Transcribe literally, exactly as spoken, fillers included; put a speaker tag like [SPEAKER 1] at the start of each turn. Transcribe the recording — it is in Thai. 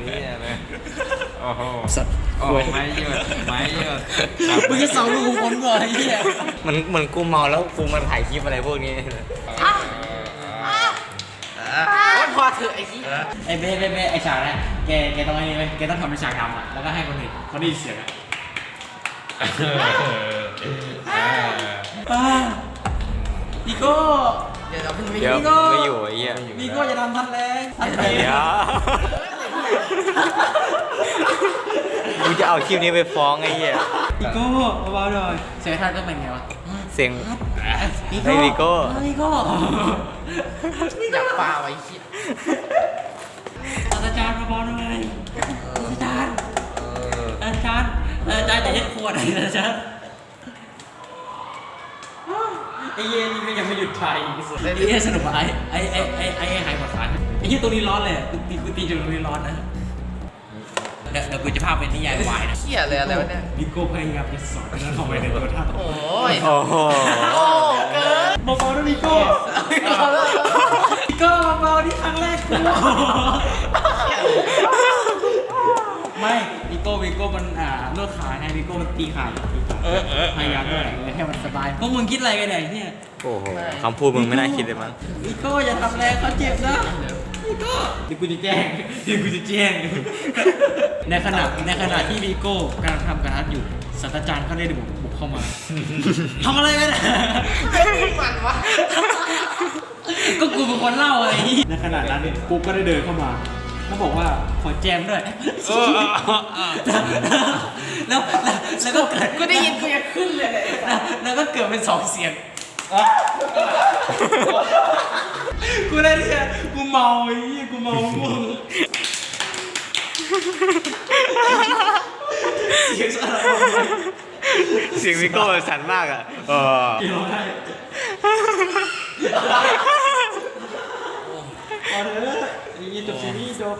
[SPEAKER 1] นี่เลยโอ้โห
[SPEAKER 2] สัตว์
[SPEAKER 1] โอ้ไม่หยุดไม่หยุด
[SPEAKER 2] มึงจะเสาลูกคนก่อนไอ้เหี้ย
[SPEAKER 3] มันเหมือนกูเมาแล้วกูมาถ่ายคลิปอะไรพวกนี้
[SPEAKER 2] พอเถอะไอ้ที่ไอ้เบ้เบ้เบ้ไอ้ฉากนะแกแกต้องไอ้นี่ไหมแกต้องทำเป็นฉากดำอ่ะแล้วก็ให้คนอื่นเขาได้ยินเสียงอ่ะพี่โก้
[SPEAKER 3] เดี๋ยวไม่อยู่ไอ้เหี้ย
[SPEAKER 2] พี่โก้จะทำทันแรงทันแร
[SPEAKER 3] เดี๋
[SPEAKER 2] ง
[SPEAKER 3] ยวกูจะเอาคลิปนี้ไปฟ้องไอ้เหี้ย
[SPEAKER 2] พี่โก้เบาๆหน่อยเสียงท่านก็เป็นไงวะ
[SPEAKER 3] เสียง
[SPEAKER 2] พี่
[SPEAKER 3] ไม่พี่โก้
[SPEAKER 2] พี่โก้อยากปาไว้เหี้ยอาจารย์เบาๆหน่อยอาจารย์อาจารย์อาจารย์อย่าเย็ดขวดนะอาจารย์ไอ้เย็นนี่ก็ยังไม่หยุดชัยไอ้เย็นสนุกว่ะไอ้ไอ้ไอ้ไอ้ไอ้หายหมดฝันไอ้เย็นตัวนี้ร้อนเลยกูตีกูตีจนตัวนี้ร้อนนะเดี๋ยวเดี๋ยวกูจะพาเป็นนิยายวายนะ
[SPEAKER 4] เหี้ยเลยอะไรวะเนี่ย
[SPEAKER 2] นิโก้พยายามจะสอนแล้วเข้าไปในตัวท่าน
[SPEAKER 4] โอ้ย
[SPEAKER 3] โอ้โห
[SPEAKER 4] โอ้เกิน
[SPEAKER 2] เบาๆนะนิโก้นิโก้เบาๆที่ครั้งแรกกูไม่นิโก้นิโก้มันอ่านวดขาไงนิโก้มันตีขาตีขาพยายามด้วยให้มันสบายพวกมึงคิดอะไรกันเนี่ย
[SPEAKER 3] โอ้โหคำพูดมึงไม่น่าคิดเลยมั้ง
[SPEAKER 2] นิโก้อย่าทำแรงเขาเจ็บนะนิโก้เดี๋ยวกูจะแจ้งเดี๋ยวกูจะแจ้งในขณะในขณะที่นิโก้กำลังทำการอัดอยู่ศาสตราจารย์เขาได้บุกบุกเข้ามาทำอะไรกันอ่ะ
[SPEAKER 4] มันวะ
[SPEAKER 2] ก็กูเป็นคนเล่าไอ้ในขณะนั้นกูก็ได้เดินเข้ามาเขาบอกว่าขอแจมด้วยแล้วแล้วก็เกิด
[SPEAKER 4] กูได้ยินกูยังขึ้นเลย
[SPEAKER 2] แล้วก็เกิดเป็นสองเสียงกูได้เนี่ยกูเมาไอ้ยี่กูเมาม่วงเสียงอะไร
[SPEAKER 3] เสียงพี่โก้สั่นมากอ่ะเออ
[SPEAKER 2] กี่ร้องไห้พอเถอะไอ้ยี่จบซีรีส์จบ